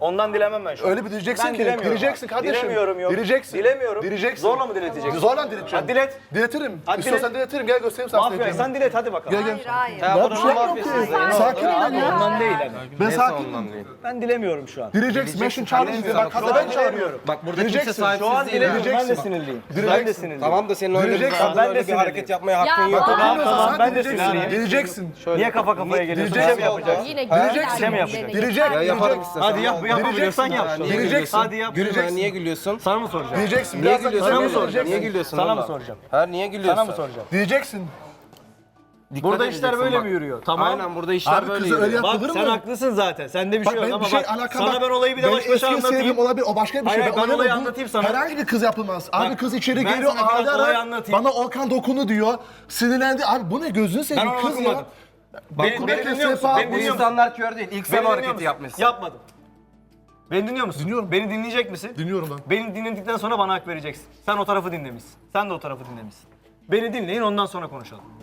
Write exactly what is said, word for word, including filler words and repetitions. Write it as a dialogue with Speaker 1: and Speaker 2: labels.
Speaker 1: Ondan dilemem ben şu an.
Speaker 2: Öyle bir diyeceksin
Speaker 1: Ben
Speaker 2: ki.
Speaker 1: dilemiyorum
Speaker 2: Dileceksin
Speaker 1: abi.
Speaker 2: kardeşim.
Speaker 1: Dilemiyorum yok.
Speaker 2: Dileceksin.
Speaker 1: Dilemiyorum.
Speaker 2: Dileceksin.
Speaker 1: Zorla mı dileteceksin?
Speaker 2: Zorla dileteceğim.
Speaker 1: Hadi dilet.
Speaker 2: Diletirim.
Speaker 1: Hadi
Speaker 2: İstiyorsan
Speaker 1: dilet.
Speaker 2: diletirim. Gel göstereyim sana.
Speaker 1: Mafya
Speaker 2: diletirim.
Speaker 1: sen dilet hadi bakalım.
Speaker 2: Gel gel.
Speaker 3: Hayır hayır.
Speaker 4: Ya
Speaker 2: Ben
Speaker 4: buranın
Speaker 2: bir şey yok
Speaker 4: mafyasıyız
Speaker 2: ki.
Speaker 4: da yine
Speaker 2: Sakin ol
Speaker 1: Abi
Speaker 2: ya.
Speaker 1: ondan değil hani.
Speaker 2: Ben
Speaker 4: Neyse
Speaker 2: sakin.
Speaker 4: ondan değil.
Speaker 1: Ben dilemiyorum şu an.
Speaker 2: Dileceksin. Ben şimdi çağırıyorum. Bak
Speaker 1: Şu
Speaker 2: hadi
Speaker 1: an
Speaker 2: ben çağırıyorum.
Speaker 1: dilemiyorum.
Speaker 4: Bak burada kimse
Speaker 2: Dileceksin.
Speaker 4: sahipsiz
Speaker 1: Şu an
Speaker 4: değil.
Speaker 1: dilemiyorum. Ben de
Speaker 2: Dileceksin.
Speaker 1: sinirliyim.
Speaker 2: Dileceksin.
Speaker 1: Ben de sinirliyim.
Speaker 4: Tamam da senin öyle bir
Speaker 2: Dileceksin.
Speaker 4: kadın
Speaker 1: Ben de
Speaker 4: öyle bir
Speaker 1: sinirliyim.
Speaker 4: hareket yapmaya hakkın
Speaker 3: Ya
Speaker 4: yok.
Speaker 3: bak-
Speaker 1: Tamam,
Speaker 2: Bilmiyorsan
Speaker 1: tamam,
Speaker 2: sen
Speaker 1: ben de
Speaker 2: dileceksin.
Speaker 1: sinirliyim.
Speaker 2: Dileceksin.
Speaker 1: Niye kafa kafaya geliyorsun?
Speaker 2: Dileceksin.
Speaker 1: Şey mi yapacağız?
Speaker 3: Yine
Speaker 2: Dileceksin.
Speaker 3: güzel
Speaker 1: mi yapacak?
Speaker 3: diledi.
Speaker 2: Dilecek.
Speaker 4: Ya yaparım
Speaker 2: Dilecek.
Speaker 4: istersen.
Speaker 1: Hadi yap, yapabiliyorsan yap.
Speaker 4: Ya, niye
Speaker 2: Dileceksin.
Speaker 4: gülüyorsun?
Speaker 1: Hadi yap.
Speaker 4: Gülme, niye gülüyorsun?
Speaker 1: Sana mı soracağım?
Speaker 2: Diyeceksin.
Speaker 4: Niye
Speaker 2: Birazdan
Speaker 4: gülüyorsun?
Speaker 1: Sana mı
Speaker 2: dileceksin.
Speaker 1: soracağım?
Speaker 4: Niye gülüyorsun?
Speaker 1: Sana mı
Speaker 4: valla?
Speaker 1: soracağım?
Speaker 4: Ha niye gülüyorsun?
Speaker 1: Sana mı soracağım?
Speaker 2: Diyeceksin.
Speaker 1: Burada
Speaker 4: edeceksin
Speaker 1: işler böyle
Speaker 4: bak.
Speaker 1: mi yürüyor? Tamam.
Speaker 4: Aynen burada işler
Speaker 2: Abi
Speaker 4: böyle
Speaker 2: kızı öyle
Speaker 4: yürüyor.
Speaker 2: yap-
Speaker 1: Bak
Speaker 2: Yapılır
Speaker 1: sen
Speaker 2: mı?
Speaker 1: haklısın zaten. Sende bir
Speaker 2: Bak
Speaker 1: şey yok
Speaker 2: ben
Speaker 1: ama
Speaker 2: bir şey
Speaker 1: bak
Speaker 2: alakam
Speaker 1: sana
Speaker 2: bak.
Speaker 1: ben olayı bir de
Speaker 2: Ben
Speaker 1: baş başa
Speaker 2: eski
Speaker 1: anlatayım.
Speaker 2: sevgilim olabilir, o başka bir şey.
Speaker 1: Hayır, ben
Speaker 2: öyle
Speaker 1: olayı
Speaker 2: bu-
Speaker 1: anlatayım sana.
Speaker 2: Herhangi bir kız yapılmaz. Abi
Speaker 1: Bak,
Speaker 2: kız içeri
Speaker 1: ben
Speaker 2: geliyor,
Speaker 1: sana biraz
Speaker 2: ağlayarak
Speaker 1: olayı anlatayım.
Speaker 2: bana Okan dokunu diyor. Sinirlendi. Abi bu ne gözünü
Speaker 1: Ben
Speaker 2: seveyim
Speaker 1: onu
Speaker 2: kız ya.
Speaker 1: okumadım. Beni,
Speaker 2: Bak,
Speaker 1: beni
Speaker 2: Kur'an
Speaker 1: dinliyor musun?
Speaker 2: sefa-
Speaker 1: Beni
Speaker 4: Bu
Speaker 1: dinliyor musun?
Speaker 4: insanlar kör değil. İlk sen
Speaker 1: Beni
Speaker 4: o
Speaker 1: dinliyor
Speaker 4: hareketi
Speaker 1: musun?
Speaker 4: yapmışsın.
Speaker 1: Yapmadım. Beni dinliyor musun?
Speaker 2: Dinliyorum.
Speaker 1: Beni dinleyecek misin?
Speaker 2: Dinliyorum ben.
Speaker 1: Beni dinledikten sonra bana hak vereceksin. Sen o tarafı dinlemişsin. Sen de o tarafı dinlemişsin. Beni dinleyin ondan sonra konuşalım.